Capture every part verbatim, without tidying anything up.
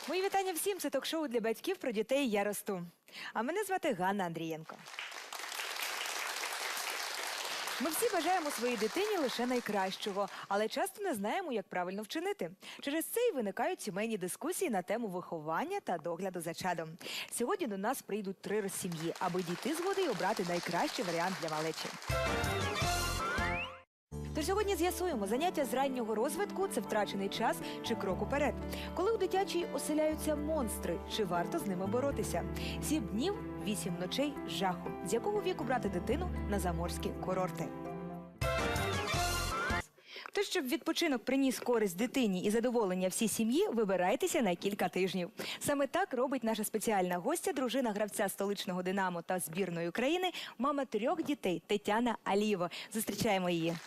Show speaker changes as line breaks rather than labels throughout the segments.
Мої вітання всім. Це ток-шоу для батьків про дітей «Я росту». А мене звати Ганна Андрієнко. Ми всі бажаємо своїй дитині лише найкращого, але часто не знаємо, як правильно вчинити. Через це й виникають сімейні дискусії на тему виховання та догляду за чадом. Сьогодні до нас прийдуть три розсім'ї, аби дійти згоди й обрати найкращий варіант для малечі. Тож сьогодні з'ясуємо, заняття з раннього розвитку – це втрачений час чи крок уперед. Коли у дитячій оселяються монстри, чи варто з ними боротися? Сім днів, вісім ночей жаху. З якого віку брати дитину на заморські курорти? Тож, щоб відпочинок приніс користь дитині і задоволення всій сім'ї, вибирайтеся на кілька тижнів. Саме так робить наша спеціальна гостя, дружина гравця столичного «Динамо» та збірної України, мама трьох дітей Тетяна Алієва. Зустрічаємо її.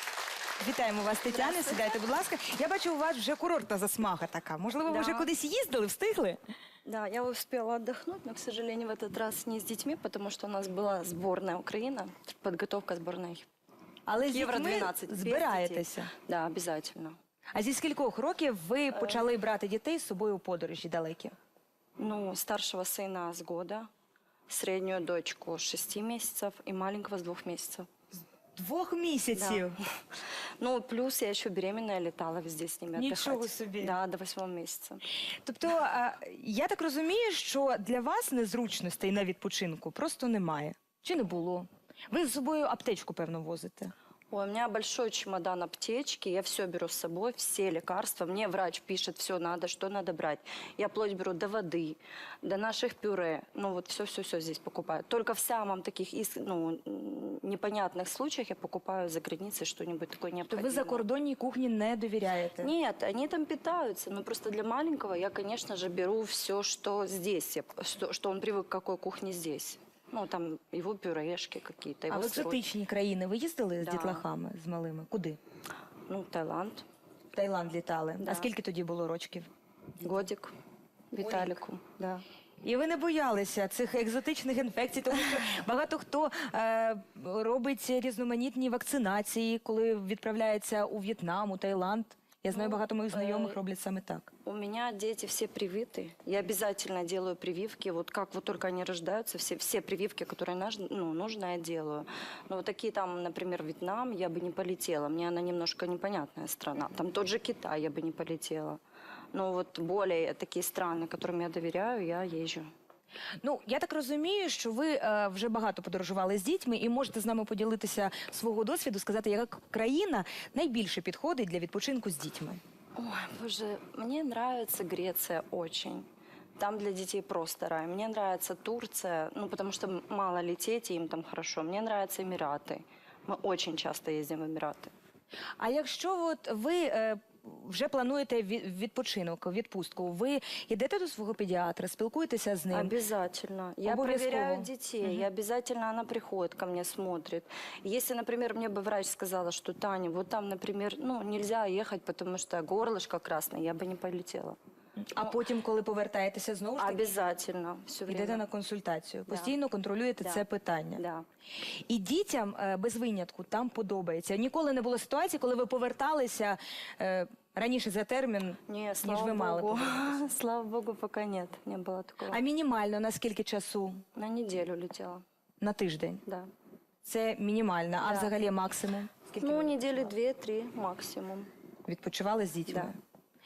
Вітаємо вас, Тетяна. Сідайте, будь ласка. Я бачу, у вас вже курортна засмага така. Можливо, ви
Да.
вже кудись їздили, встигли?
Да, я успела отдохнуть, но, к сожалению, в этот раз не с детьми, потому что у нас была сборная Украина, подготовка сборной
Але з
Евро
дітьми
двенадцать. без
збираєтеся.
детей. Да, обязательно.
А зі скількох років ви почали брати дітей з собою у подорожі далекі?
Ну, старшего сына с года, среднюю дочку с шести месяцев и маленького с двух месяцев.
Двох місяців?
Да. Ну, плюс я еще беременная летала везде с ними
Нічого
отдыхать.
собі.
Да, до восьмого месяца.
Тобто, а, я так розумію, що для вас незручностей на відпочинку просто немає. Чи не було? Ви з собою аптечку, певно, возите?
Ой, у меня большой чемодан аптечки, я все беру с собой, все лекарства. Мне врач пишет, все надо, что надо брать. Я вплоть беру до воды, до наших пюре. Ну вот все-все-все здесь покупаю. Только в самом таких ну, непонятных случаях я покупаю за границей что-нибудь такое
То
необходимое.
ви закордонній кухні не довіряєте?
Нет, они там питаются, но просто для маленького я, конечно же, беру все, что здесь, я- что, что он привык к какой кухне здесь. Ну, там его пюрешки какие-то,
А
его
в
сырочки.
екзотичні країни ви їздили з
Да.
дітлахами, з малими? Куди?
Ну, Таиланд,
В Таїланд літали.
Да.
А скільки тоді було рочків?
годик, Виталику, да.
І ви не боялися цих екзотичних інфекцій, тому що багато хто е, робить різноманітні вакцинації, коли відправляється у В'єтнам, у Таїланд. Я знаю,
Ну,
багато моїх знайомих
е,
роблять саме так.
У меня дети все привиты. Я обязательно делаю прививки. Вот как вот только они рождаются, все, все прививки, которые наж- ну, нужно, я делаю. Но вот такие там, например, Вьетнам, я бы не полетела. Мне она немножко непонятная страна. Там тот же Китай я бы не полетела. Но вот более такие страны, которым я доверяю, я езжу.
Ну, я так розумію, що ви е, вже багато подорожували з дітьми і можете з нами поділитися свого досвіду, сказати, яка країна найбільше підходить для відпочинку з дітьми.
Ой, боже, мне нравится Греция очень. Там для детей просто рай. Мне нравится Турция, ну, потому что мало лететь, и им там хорошо. Мне нравятся Эмираты. Мы очень часто ездим в Эмираты.
А якщо от ви е, вже плануєте ві- відпочинок, відпустку, ви йдете до свого педіатра, спілкуєтеся з ним?
Обязательно. Я
Обовязково.
проверяю детей. Я обязательно, она приходит ко мне, смотрит. Если, например, мне бы врач сказала, что Таня, вот там, например, ну, нельзя ехать, потому что горлышко красное, я бы не полетела.
А потім, коли повертаєтеся знову ж таки,
Обязательно. Все
йдете
время.
на консультацію,
Да.
постійно контролюєте
Да.
це питання.
Да.
І дітям е, без винятку там подобається. Ніколи не було ситуації, коли ви поверталися е, раніше за термін,
Не,
ніж
слава
ви мали
богу.
повертатися.
Слава богу, пока нет. Не было такого.
А мінімально на скільки часу?
На неделю летела,
На тиждень?
да.
Це мінімально. А
Да.
взагалі максимум? Скільки
Ну,
ви
недели две-три максимум.
відпочивали з дітьми?
Да.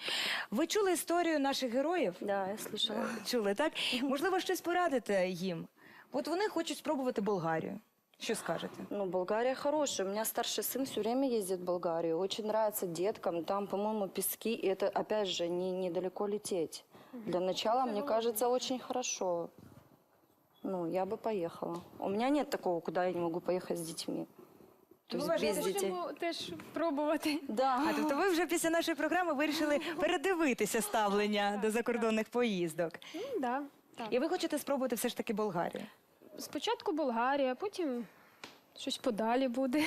Ви чули історію наших героїв?
Да, я слышала.
Чули, так? Можливо, щось порадите їм? От вони хочуть спробувати Болгарію. Що скажете?
Ну, Болгария хорошая. У меня старший сын все время ездит в Болгарию. Очень нравится деткам. Там, по-моему, пески. И это, опять же, не, недалеко лететь. Для начала, мне кажется, очень хорошо. Ну, я бы поехала. У меня нет такого, куда я не могу поехать с детьми. То
Ну,
есть
вважаєте,
без детей.
Можемо теж пробувати.
Да.
А тобто ви вже після нашої програми вирішили передивитися ставлення до закордонних поїздок.
Ну, да, так.
І ви хочете спробувати все ж таки Болгарію?
Спочатку Болгарія, потім щось подалі буде.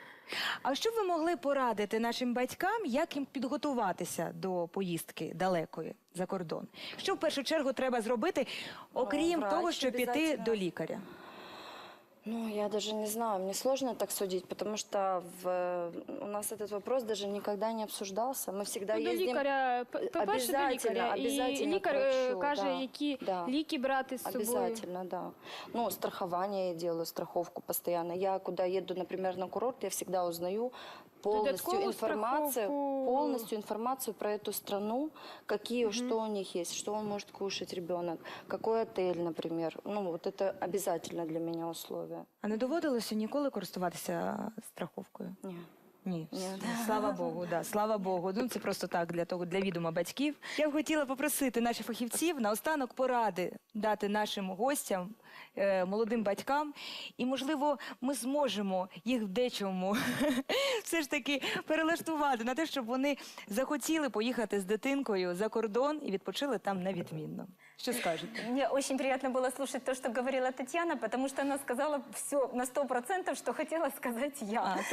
А що б ви могли порадити нашим батькам, як їм підготуватися до поїздки далекої за кордон? Що в першу чергу треба зробити, окрім
врач
того, щоб піти
обов'язково.
до лікаря?
Ну, я даже не знаю, мне сложно так судить, потому что в, у нас этот вопрос даже никогда не обсуждался. Мы всегда
Ну, до
ездим...
лікаря, п- по-перше, до
Обязательно,
лікаря. І
обязательно
лікар
к
е,
врачу,
каже,
да,
які
да.
ліки брати з собою.
Обязательно, да. Ну, страхование я делаю, страховку постоянно. Я куда еду, например, на курорт, я всегда узнаю полностью
Додаткову
информацию,
страховку.
полностью информацию про эту страну, какие, что у них есть, что он может кушать ребенок, какой отель, например. Ну, вот это обязательно для меня условие.
А не доводилося ніколи користуватися страховкою?
Нет.
Ні,
Ні.
слава Богу, да, слава Богу. Ну це просто так для того, для відома батьків. Я б хотіла попросити наших фахівців наостанок поради дати нашим гостям, е, молодим батькам, і можливо, ми зможемо їх в дечому все ж таки перелаштувати на те, щоб вони захотіли поїхати з дитинкою за кордон і відпочили там на відмінно. Що скажете?
Мне очень приятно было слушать то, что говорила Татьяна, потому что она сказала все на сто процентов, что хотела сказать я.
А,